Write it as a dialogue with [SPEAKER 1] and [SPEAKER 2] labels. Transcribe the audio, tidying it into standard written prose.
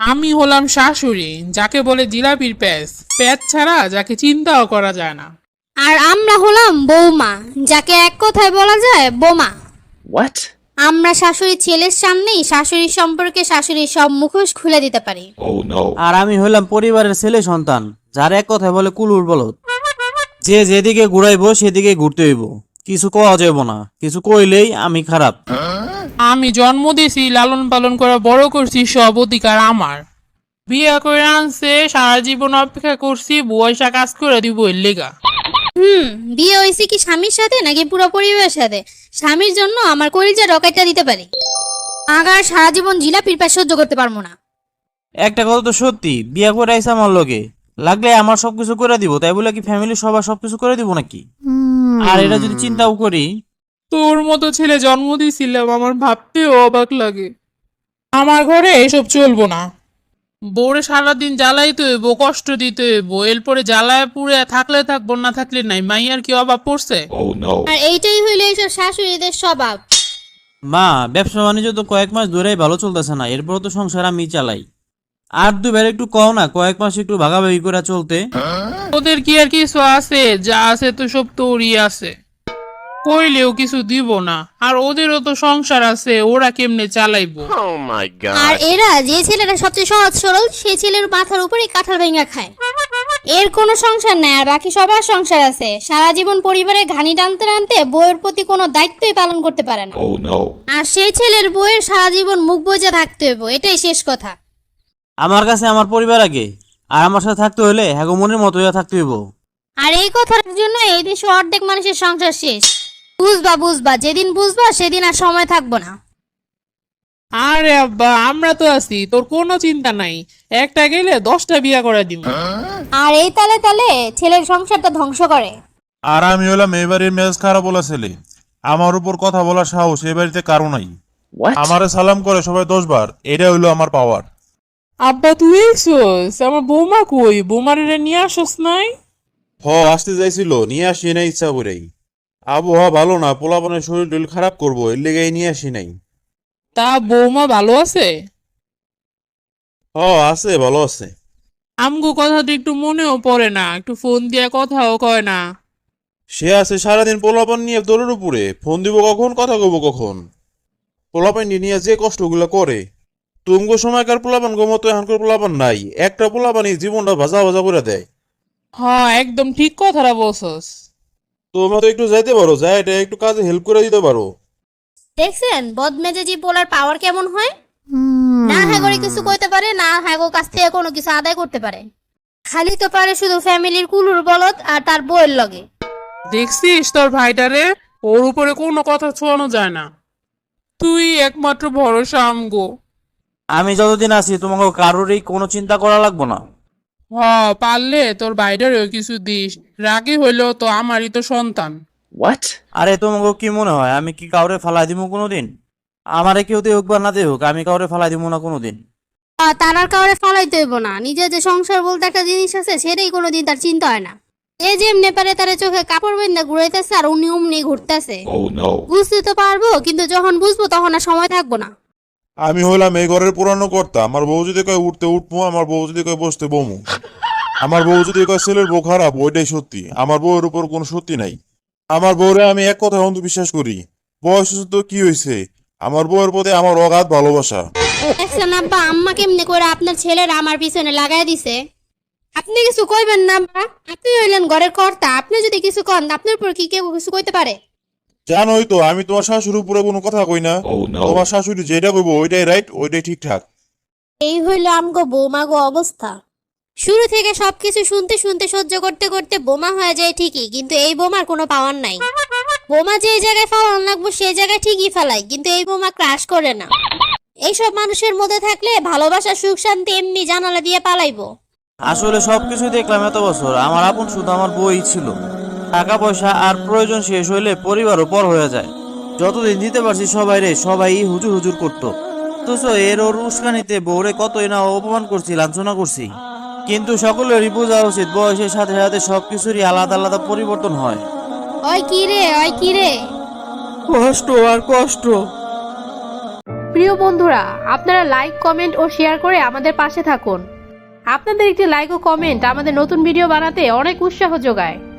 [SPEAKER 1] আমি হলাম শাশুড়ি, যাকে বলে জিলাপির প্যাচ, প্যাচ ছাড়া যাকে চিন্তাও করা যায় না।
[SPEAKER 2] আর আমরা হলাম বৌমা, যাকে এক কথায় বলা যায় বোমা।
[SPEAKER 3] What?
[SPEAKER 2] আমরা শাশুড়ির ছেলের সামনেই শাশুড়ির সম্পর্কে শাশুড়ির সব মুখোশ খুলে দিতে পারি।
[SPEAKER 3] Oh no.
[SPEAKER 4] আর আমি হইলাম পরিবারের ছেলে সন্তান, যার এক কথায় বলে কুলুর বলদ। যে যেদিকে ঘুরাইবো সেদিকে ঘুরতে হইব, কিছু কওয়া যাইব না, কিছু কইলেই আমি খারাপ।
[SPEAKER 1] আমি জন্ম দিয়েছি, লালন পালন করে বড় করছি, সব অধিকার আমার। বিয়ে করে আনছে, সারা জীবন অপেক্ষা করছি বয়সা কাজ করে দিব এর লেগা।
[SPEAKER 2] বিয়ে হয়েছে কি স্বামীর সাথে নাকি পুরো পরিবারের সাথে? স্বামীর জন্য আমার কলিজা রকেটটা দিতে পারি, আগার সারা জীবন জিলাপির প্যাচ সহ্য করতে পারবো না।
[SPEAKER 4] একটা কথা তো সত্যি, বিয়া করে আইসা আমার লগে, লাগলে আমার সবকিছু করে দিব, তাই বলে কি ফ্যামিলি সবার সবকিছু করে দিব নাকি? আর এটা যদি চিন্তাও করি,
[SPEAKER 1] তোর মতো ছেলে জন্ম দিয়েছিলাম, আমার ভাবতেও অবাক লাগে। আমার ঘরে এসব চলবো না। বউরে সারাদিন জ্বালাইতে হইব, কষ্ট দিতে হইব, এরপরে জ্বালায় পুড়ে থাকলে থাকবো, না থাকলে নাই। মাইয়ার কি অভাব পড়ছে?
[SPEAKER 3] Oh no.
[SPEAKER 2] আর এইটাই হইলো এইসব শাশুড়িদের স্বভাব।
[SPEAKER 4] মা ব্যবসা বাণিজ্য তো কয়েক মাস ধরেই ভালো চলতেছে না, এরপর তো সংসার আমি চালাই। আর দুবার একটু কও না, কয়েক মাস একটু ভাগাভাগি করে চলতে।
[SPEAKER 1] ওদের কি আর কিছু আছে? যা আছে তো সব তোরই আছে, কইলেও কিছু দিব না। আর ওদেরও তো সংসার আছে, ওরা কেমনে চালাইবো?
[SPEAKER 3] Oh my
[SPEAKER 2] R
[SPEAKER 3] god.
[SPEAKER 2] এরা যে ছেলেটা সবচেয়ে সহজ সরল, সেই ছেলের মাথার উপরে কাঁঠাল ভেঙে খায়। এর কোনো সংসার নাই, আর বাকি সবার সংসার আছে। সারা জীবন পরিবারের ঘানি টানতে টানতে বউয়ের প্রতি কোনো দায়িত্বই পালন করতে পারে না।
[SPEAKER 3] Oh no.
[SPEAKER 2] আর সেই ছেলের বউয়ের সারা জীবন মুখ বুজে থাকতে হইব, এটাই শেষ কথা।
[SPEAKER 4] আমার কাছে আমার পরিবার আগে, আর আমার সাথে থাকতে হলে হ্যাগো মনের মতো হইয়া থাকতে হইব।
[SPEAKER 2] আর এই কথার জন্য এই দেশে অর্ধেক মানুষের সংসার শেষ। বুঝবা বুঝবা, যেদিন বুঝবা সেদিন আর সময় থাকবো না।
[SPEAKER 1] আরে আব্বা, আমরা তো আছি, তোর কোনো চিন্তা নাই। একটা গেলে 10টা বিয়া করে দিব।
[SPEAKER 2] আর এই তালে তালে ছেলের সংসারটা ধ্বংস করে।
[SPEAKER 5] আর আমি হলাম এই বাড়ির মেজাজ খারাপ বলা ছেলে। আমার উপর কথা বলার সাহস এই বাড়িতে কারো নাই।
[SPEAKER 3] What?
[SPEAKER 5] আমারে সালাম করে সবাই 10 বার, এটা হইলো আমার পাওয়ার।
[SPEAKER 1] আব্বা তুই এসোস, আমার বৌমা কই? বৌমার এটা নিয়ে আসস নাই?
[SPEAKER 5] আসতে যাইছিল, নিয়ে আসি নাই ইচ্ছা করেই। আবহাওয়া ভালো না, পোলাপানের শরীর টরীর খারাপ করবো, এর লেগে নিয়ে আসি নাই।
[SPEAKER 1] তা বৌমা ভালো আছে?
[SPEAKER 5] আছে, ভালো আছে।
[SPEAKER 1] আমগো কথা তো একটু মনেও পড়ে না, একটু ফোন দিয়ে কথাও কয় না।
[SPEAKER 5] সে আছে সারাদিন পোলাপান নিয়ে দৌড়ের উপরে, ফোন দিব কখন, কথা কব কখন। পোলাপান নিয়ে যে কষ্টগুলো করে, তুমগো সময়কার পোলাপান গো মতো এখনকার পোলাপান নাই। একটা পোলাপানই জীবনটা ভাজা ভাজা করে দেয়।
[SPEAKER 1] হ্যাঁ, একদম ঠিক কথাটা বলছস।
[SPEAKER 5] তোমরা তো একটু যাইতে পারো, যাই এটা একটু কাজে হেল্প করে দিতে পারো।
[SPEAKER 2] দেখছেন বদমেজাজি পোলার পাওয়ার কেমন হয়? না হ্যাগোরে কিছু কইতে পারে না, হ্যাগো কাছ থেকে কোনো কিছু আদায় করতে পারে। খালি তো পারে শুধু ফ্যামিলির কুলুর বলদ আর তার বউয়ের লগে।
[SPEAKER 1] দেখছিস তোর ভাইটারে? ওর উপরে কোনো কথা ছোঁয়ানো যায় না। তুই একমাত্র ভরসা আমগো।
[SPEAKER 4] আমি যতদিন আছি তোমাকে কারোরই কোনো চিন্তা করা লাগবো না।
[SPEAKER 1] পারলে তোর ভাইটারেও কিছু দিস। রাগি হইলেও তো আমারই তো সন্তান।
[SPEAKER 3] What?
[SPEAKER 4] আরে তোমাকে কি মনে হয় আমি কি কাউরে ফালাই দিব কোনোদিন? আমারে কেউ দেউক বা না দেউক, আমি কাউরে ফালাই দিব না কোনোদিন।
[SPEAKER 2] তার আর কাউরে ফালাইতে হইব না। নিজের যে সংসার বলতে একটা জিনিস আছে, সেটাই কোনোদিন তার চিন্তা হয় না। এই যে এমনি পারে তার চোখে কাপড় বেঁধে ঘুরাইতেছে আর উনি অমনি ঘুরতেছে।
[SPEAKER 3] Oh no.
[SPEAKER 2] বুঝতে তো পারবো, কিন্তু যখন বুঝবো তখন আর সময় থাকবো না।
[SPEAKER 5] আমি হলাম এই ঘরের পুরানো কর্তা। আমার বউ যদি কয় উঠতে উঠবো, আমার বউ যদি কয় বসতে বমু। আমার বউ যদি কয় ছেলের বউ খারাপ, ওইটাই সত্যি। আমার বউয়ের উপর কোনো সত্যি নাই। আমার বউরে আমি এক কথায় অন্ধবিশ্বাস করি। বয়স তো কি হয়েছে, আমার বউয়ের প্রতি আমার অগাধ ভালোবাসা।
[SPEAKER 2] দেখছেন আব্বা, আম্মা কেমনে করে আপনার ছেলেরা আমার পিছনে লাগাই দিছে। আপনি কিছু কইবেন না আব্বা, আপনি হইলেন ঘরের কর্তা। আপনি যদি কিছু কন, আপনার উপর কি কেউ কিছু কইতে পারে?
[SPEAKER 5] জানোই তো আমি তোমার শাশুড়ির উপরে কোনো কথা কই না।
[SPEAKER 3] Oh no.
[SPEAKER 5] তোমার শাশুড়ি যেটা কইবো ওইটাই রাইট, ওইটাই ঠিকঠাক।
[SPEAKER 2] এই হইল আমগো বৌমাগো অবস্থা। শুরু থেকে সবকিছু শুনতে শুনতে সহ্য করতে করতে বোমা হয়ে যায় ঠিকই, কিন্তু এই বোমার কোনো পাওয়ার নাই। বোমা যে জায়গায় ফেলান লাগবো সেই জায়গায় ঠিকই ফেলায়, কিন্তু এই বোমা ক্রাশ করে না। এইসব মানুষের মধ্যে থাকলে ভালোবাসা সুখ শান্তি এমনি জানালা দিয়ে পালাইবো।
[SPEAKER 4] আসলে সবকিছু দেখলাম এত বছর, আমার আপন শুধু আমার বই ছিল। টাকা পয়সা আর প্রয়োজন শেষ হইলে পরিবারও পর হয়ে যায়। যতদিন দিতে পারছি সবাই হুজুর হুজুর করতো। অথচ এর ওর উস্কানিতে বউরে কতই না অপমান করছি, লাঞ্ছনা করছি। কিন্তু সকলেরই বোঝা উচিত বয়সের সাথে সাথে সবকিছুরই আলাদা আলাদা পরিবর্তন হয়।
[SPEAKER 2] ওই কি রে, ওই কি রে।
[SPEAKER 1] কষ্ট আর কষ্ট।
[SPEAKER 3] প্রিয় বন্ধুরা, আপনারা লাইক, কমেন্ট ও শেয়ার করে আমাদের পাশে থাকুন। আপনাদের একটি লাইক ও কমেন্ট আমাদের নতুন ভিডিও বানাতে অনেক উৎসাহ যোগায়।